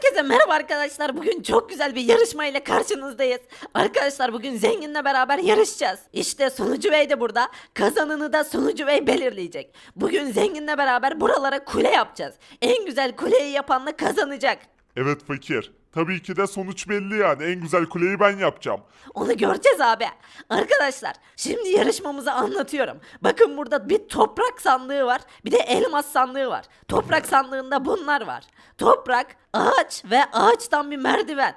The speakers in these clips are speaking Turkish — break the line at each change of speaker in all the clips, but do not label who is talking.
Herkese merhaba arkadaşlar. Bugün çok güzel bir yarışma ile karşınızdayız. Arkadaşlar bugün Zengin'le beraber yarışacağız. İşte Sunucu Bey de burada. Kazananı da Sunucu Bey belirleyecek. Bugün Zengin'le beraber buralara kule yapacağız. En güzel kuleyi yapan da kazanacak.
Evet fakir. Tabii ki de sonuç belli yani. En güzel kuleyi ben yapacağım.
Onu göreceğiz abi. Arkadaşlar şimdi yarışmamızı anlatıyorum. Bakın burada bir toprak sandığı var. Bir de elmas sandığı var. Toprak sandığında bunlar var. Toprak, ağaç ve ağaçtan bir merdiven.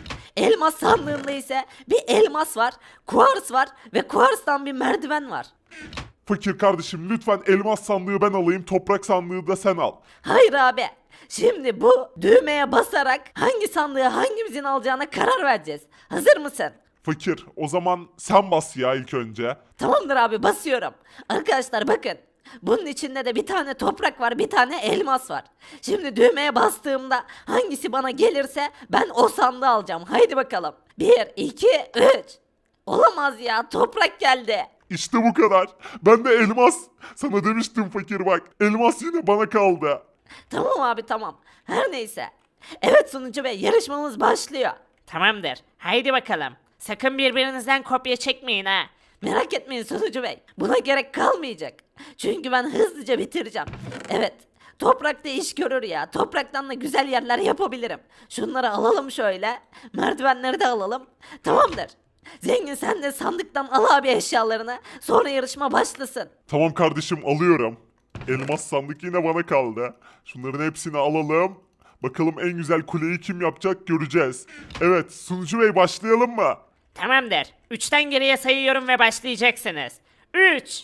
Elmas sandığında ise bir elmas var, kuars var ve kuarstan bir merdiven var.
Fakir kardeşim lütfen elmas sandığı ben alayım, toprak sandığı da sen al.
Hayır abi. Şimdi bu düğmeye basarak hangi sandığı hangimizin alacağına karar vereceğiz. Hazır mısın?
Fakir o zaman sen bas ya ilk önce.
Tamamdır abi basıyorum. Arkadaşlar bakın. Bunun içinde de bir tane toprak var, bir tane elmas var. Şimdi düğmeye bastığımda hangisi bana gelirse ben o sandığı alacağım. Haydi bakalım. 1, 2, 3. Olamaz ya, toprak geldi.
İşte bu kadar. Ben de elmas. Sana demiştim fakir bak. Elmas yine bana kaldı.
Tamam abi tamam. Her neyse. Evet Sunucu Bey, yarışmamız başlıyor.
Tamamdır. Haydi bakalım. Sakın birbirinizden kopya çekmeyin ha.
Merak etmeyin Sunucu Bey. Buna gerek kalmayacak. Çünkü ben hızlıca bitireceğim. Evet. Toprakta iş görür ya. Topraktan da güzel yerler yapabilirim. Şunları alalım şöyle. Merdivenleri de alalım. Tamamdır. Zengin sen de sandıktan al abi eşyalarını. Sonra yarışma başlasın.
Tamam kardeşim alıyorum. Elmas sandık yine bana kaldı. Şunların hepsini alalım. Bakalım en güzel kuleyi kim yapacak göreceğiz. Evet sunucu bey başlayalım mı?
Tamamdır. 3'ten geriye sayıyorum ve başlayacaksınız. 3,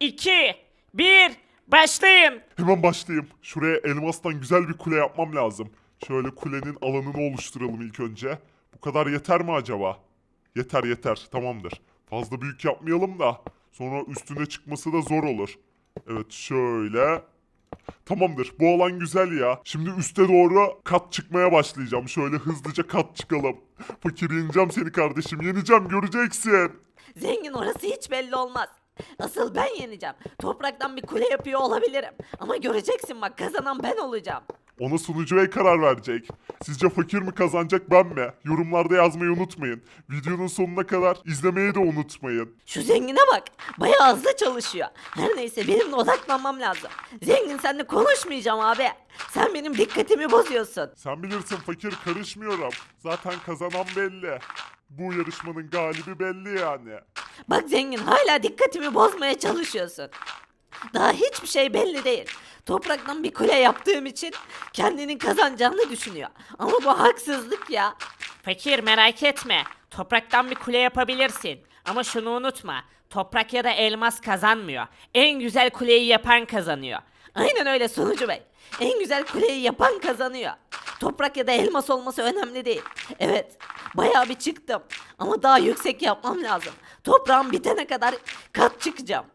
2, 1, başlayın.
Hemen başlayayım. Şuraya elmastan güzel bir kule yapmam lazım. Şöyle kulenin alanını oluşturalım ilk önce. Bu kadar yeter mi acaba? Yeter yeter tamamdır. Fazla büyük yapmayalım da sonra üstüne çıkması da zor olur. Evet şöyle. Tamamdır bu alan güzel ya. Şimdi üste doğru kat çıkmaya başlayacağım. Şöyle hızlıca kat çıkalım. Fakir yeneceğim seni kardeşim yeneceğim göreceksin.
Zengin orası hiç belli olmaz. Asıl ben yeneceğim. Topraktan bir kule yapıyor olabilirim. Ama göreceksin bak kazanan ben olacağım.
Ona sunucu bey karar verecek. Sizce fakir mi kazanacak ben mi? Yorumlarda yazmayı unutmayın. Videonun sonuna kadar izlemeyi de unutmayın.
Şu zengine bak. Bayağı hızlı çalışıyor. Her neyse benim de odaklanmam lazım. Zengin seninle konuşmayacağım abi. Sen benim dikkatimi bozuyorsun.
Sen bilirsin fakir karışmıyorum. Zaten kazanan belli. Bu yarışmanın galibi belli yani.
Bak zengin hala dikkatimi bozmaya çalışıyorsun. Daha hiçbir şey belli değil. Topraktan bir kule yaptığım için kendinin kazanacağını düşünüyor. Ama bu haksızlık ya.
Fakir merak etme. Topraktan bir kule yapabilirsin. Ama şunu unutma. Toprak ya da elmas kazanmıyor. En güzel kuleyi yapan kazanıyor.
Aynen öyle Sunucu Bey. En güzel kuleyi yapan kazanıyor. Toprak ya da elmas olması önemli değil. Evet, bayağı bir çıktım. Ama daha yüksek yapmam lazım. Toprağım bitene kadar kat çıkacağım.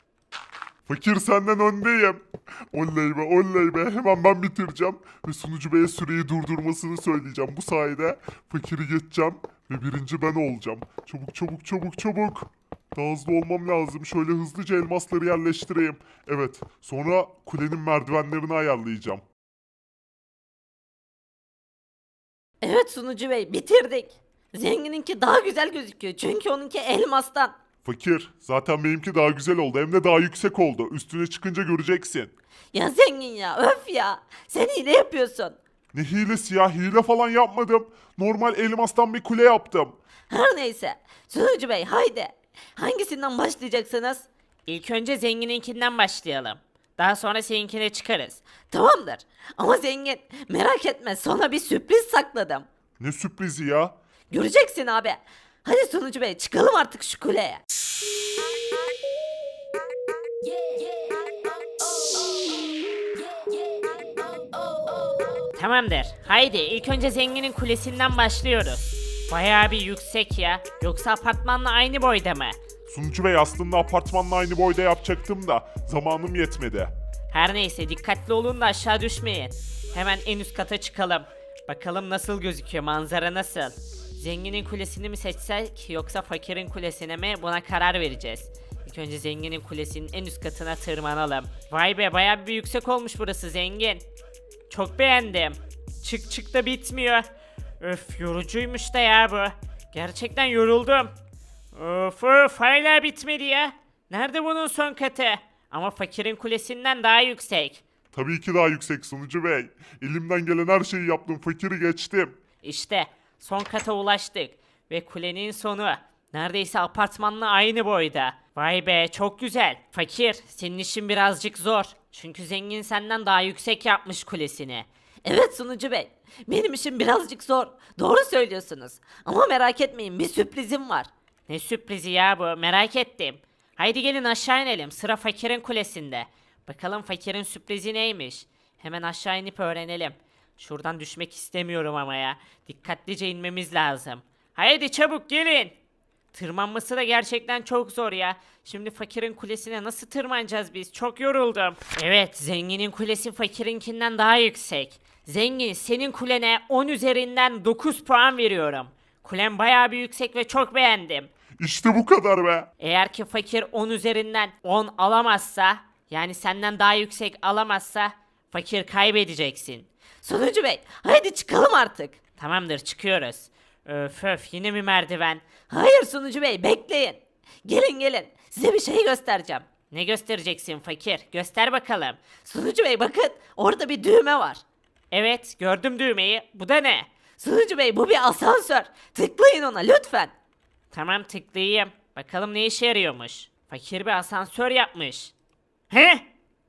Fakir senden öndeyim. Oley be oley be hemen ben bitireceğim. Ve sunucu beye süreyi durdurmasını söyleyeceğim. Bu sayede fakiri geçeceğim. Ve birinci ben olacağım. Çabuk çabuk çabuk çabuk. Daha hızlı olmam lazım. Şöyle hızlıca elmasları yerleştireyim. Evet sonra kulenin merdivenlerini ayarlayacağım.
Evet Sunucu Bey, bitirdik. Zengininki daha güzel gözüküyor çünkü onunki elmastan.
Fakir zaten benimki daha güzel oldu. Hem de daha yüksek oldu. Üstüne çıkınca göreceksin.
Ya zengin ya, öf ya. Sen hile yapıyorsun.
Ne hilesi ya hile falan yapmadım. Normal elmastan bir kule yaptım.
Her neyse. Sunucu Bey haydi. Hangisinden başlayacaksınız?
İlk önce zengininkinden başlayalım. Daha sonra seninkine çıkarız.
Tamamdır. Ama zengin merak etme sana bir sürpriz sakladım.
Ne sürprizi ya?
Göreceksin abi. Hadi Sunucu Bey çıkalım artık şu kuleye.
Tamamdır. Haydi ilk önce zenginin kulesinden başlıyoruz. Bayağı bir yüksek ya. Yoksa apartmanla aynı boyda mı?
Sunucu bey aslında apartmanla aynı boyda yapacaktım da zamanım yetmedi.
Her neyse dikkatli olun da aşağı düşmeyin. Hemen en üst kata çıkalım. Bakalım nasıl gözüküyor, manzara nasıl? Zenginin kulesini mi seçsek yoksa fakirin kulesine mi, buna karar vereceğiz. İlk önce zenginin kulesinin en üst katına tırmanalım. Vay be bayağı bir yüksek olmuş burası zengin. Çok beğendim. Çık çık da bitmiyor. Öf yorucuymuş da ya bu. Gerçekten yoruldum. Of hala bitmedi ya. Nerede bunun son katı? Ama fakirin kulesinden daha yüksek.
Tabii ki daha yüksek sunucu bey. Elimden gelen her şeyi yaptım. Fakiri geçtim.
İşte son kata ulaştık. Ve kulenin sonu. Neredeyse apartmanla aynı boyda. Vay be çok güzel. Fakir senin işin birazcık zor. Çünkü zengin senden daha yüksek yapmış kulesini.
Evet sunucu bey. Benim işim birazcık zor. Doğru söylüyorsunuz. Ama merak etmeyin, bir sürprizim var.
Ne sürprizi ya bu merak ettim. Haydi gelin aşağı inelim sıra fakirin kulesinde. Bakalım fakirin sürprizi neymiş. Hemen aşağı inip öğrenelim. Şuradan düşmek istemiyorum ama ya. Dikkatlice inmemiz lazım. Haydi çabuk gelin. Tırmanması da gerçekten çok zor ya. Şimdi fakirin kulesine nasıl tırmanacağız biz? Çok yoruldum. Evet, zenginin kulesi fakirinkinden daha yüksek. Zengin, senin kulene 10 üzerinden 9 puan veriyorum. Kulen bayağı bir yüksek ve çok beğendim.
İşte bu kadar be.
Eğer ki fakir 10 üzerinden 10 alamazsa, yani senden daha yüksek alamazsa, fakir kaybedeceksin.
Sunucu bey, haydi çıkalım artık.
Tamamdır, çıkıyoruz. Öf yine mi merdiven?
Hayır sunucu bey, bekleyin. Gelin gelin, size bir şey göstereceğim.
Ne göstereceksin fakir? Göster bakalım.
Sunucu bey bakın, orada bir düğme var.
Evet, gördüm düğmeyi. Bu da ne?
Sunucu bey, bu bir asansör. Tıklayın ona lütfen.
Tamam tıklayayım. Bakalım ne işe yarıyormuş. Fakir bir asansör yapmış. He?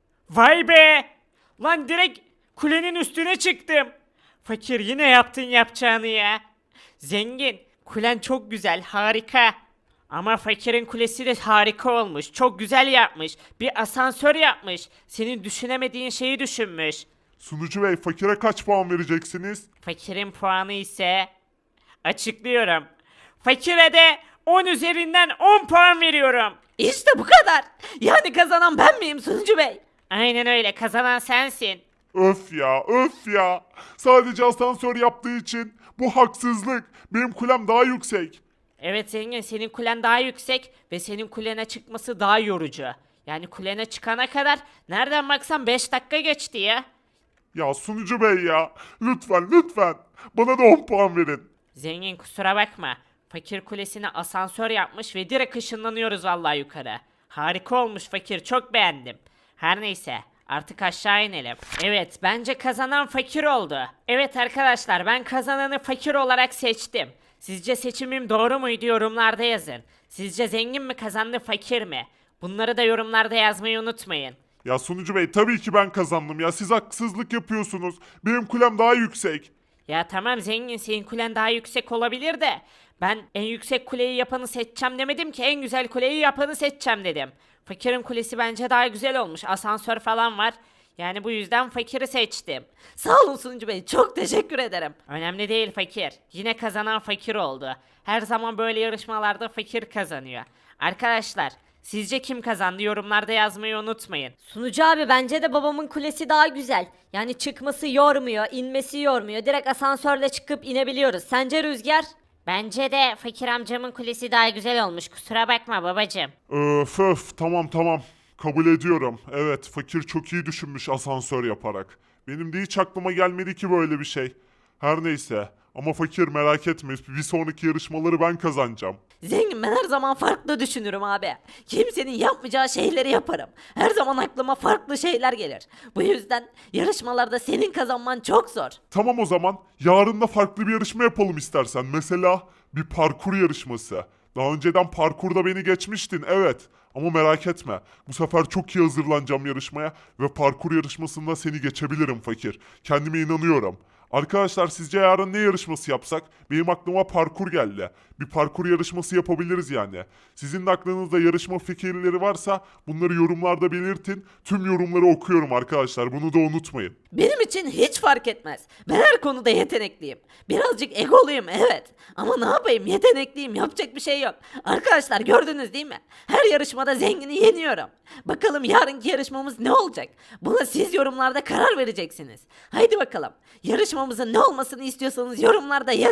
Vay be! Lan direkt kulenin üstüne çıktım. Fakir yine yaptın yapacağını ya. Zengin, kulen çok güzel, harika. Ama fakirin kulesi de harika olmuş. Çok güzel yapmış. Bir asansör yapmış. Senin düşünemediğin şeyi düşünmüş.
Sunucu bey fakire kaç puan vereceksiniz?
Fakirin puanı ise... Açıklıyorum. Fakire de 10 üzerinden 10 puan veriyorum.
İşte bu kadar. Yani kazanan ben miyim sunucu bey?
Aynen öyle, kazanan sensin.
Öf ya öf ya. Sadece asansör yaptığı için bu haksızlık. Benim kulem daha yüksek.
Evet zengin, senin kulen daha yüksek ve senin kulene çıkması daha yorucu. Yani kulene çıkana kadar nereden baksan 5 dakika geçti ya.
Ya sunucu bey ya. Lütfen lütfen. Bana da 10 puan verin.
Zengin kusura bakma. Fakir kulesine asansör yapmış ve direkt ışınlanıyoruz vallahi yukarı. Harika olmuş fakir, çok beğendim. Her neyse, artık aşağı inelim. Evet, bence kazanan fakir oldu. Evet arkadaşlar, ben kazananı fakir olarak seçtim. Sizce seçimim doğru muydu, yorumlarda yazın. Sizce zengin mi kazandı, fakir mi? Bunları da yorumlarda yazmayı unutmayın.
Ya sunucu bey tabii ki ben kazandım ya. Siz haksızlık yapıyorsunuz. Benim kulem daha yüksek.
Ya tamam zengin, senin kulen daha yüksek olabilir de ben en yüksek kuleyi yapanı seçeceğim demedim ki, en güzel kuleyi yapanı seçeceğim dedim. Fakirin kulesi bence daha güzel olmuş, asansör falan var. Yani bu yüzden fakiri seçtim.
Sağ olun sunucu bey, çok teşekkür ederim.
Önemli değil fakir. Yine kazanan fakir oldu. Her zaman böyle yarışmalarda fakir kazanıyor. Arkadaşlar, sizce kim kazandı, yorumlarda yazmayı unutmayın.
Sunucu abi bence de babamın kulesi daha güzel. Yani çıkması yormuyor, inmesi yormuyor. Direkt asansörle çıkıp inebiliyoruz. Sence Rüzgar?
Bence de fakir amcamın kulesi daha güzel olmuş. Kusura bakma babacım.
Öf öf tamam. Kabul ediyorum. Evet fakir çok iyi düşünmüş asansör yaparak. Benim de hiç aklıma gelmedi ki böyle bir şey. Her neyse. Ama fakir merak etme. Bir sonraki yarışmaları ben kazanacağım.
Zengin, ben her zaman farklı düşünürüm abi. Kimsenin yapmayacağı şeyleri yaparım. Her zaman aklıma farklı şeyler gelir. Bu yüzden yarışmalarda senin kazanman çok zor.
Tamam o zaman. Yarın da farklı bir yarışma yapalım istersen. Mesela bir parkur yarışması. Daha önceden parkurda beni geçmiştin evet. Ama merak etme. Bu sefer çok iyi hazırlanacağım yarışmaya ve parkur yarışmasında seni geçebilirim fakir. Kendime inanıyorum. Arkadaşlar sizce yarın ne yarışması yapsak? Benim aklıma parkur geldi. Bir parkur yarışması yapabiliriz yani. Sizin de aklınızda yarışma fikirleri varsa bunları yorumlarda belirtin. Tüm yorumları okuyorum arkadaşlar. Bunu da unutmayın.
Benim için hiç fark etmez. Ben her konuda yetenekliyim. Birazcık egoluyum evet. Ama ne yapayım, yetenekliyim, yapacak bir şey yok. Arkadaşlar gördünüz değil mi? Her yarışmada zengini yeniyorum. Bakalım yarınki yarışmamız ne olacak? Buna siz yorumlarda karar vereceksiniz. Haydi bakalım. Yarışmamızın ne olmasını istiyorsanız yorumlarda yazın.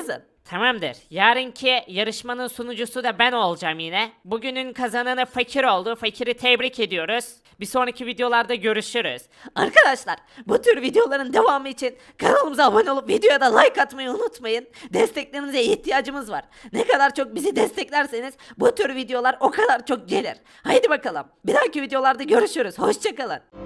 Tamamdır. Yarınki yarışmanın sunucusu da ben olacağım yine. Bugünün kazananı Fakir oldu. Fakir'i tebrik ediyoruz. Bir sonraki videolarda görüşürüz.
Arkadaşlar bu tür videoların devamı için kanalımıza abone olup videoya da like atmayı unutmayın. Desteklerinize ihtiyacımız var. Ne kadar çok bizi desteklerseniz bu tür videolar o kadar çok gelir. Haydi bakalım. Bir dahaki videolarda görüşürüz. Hoşçakalın.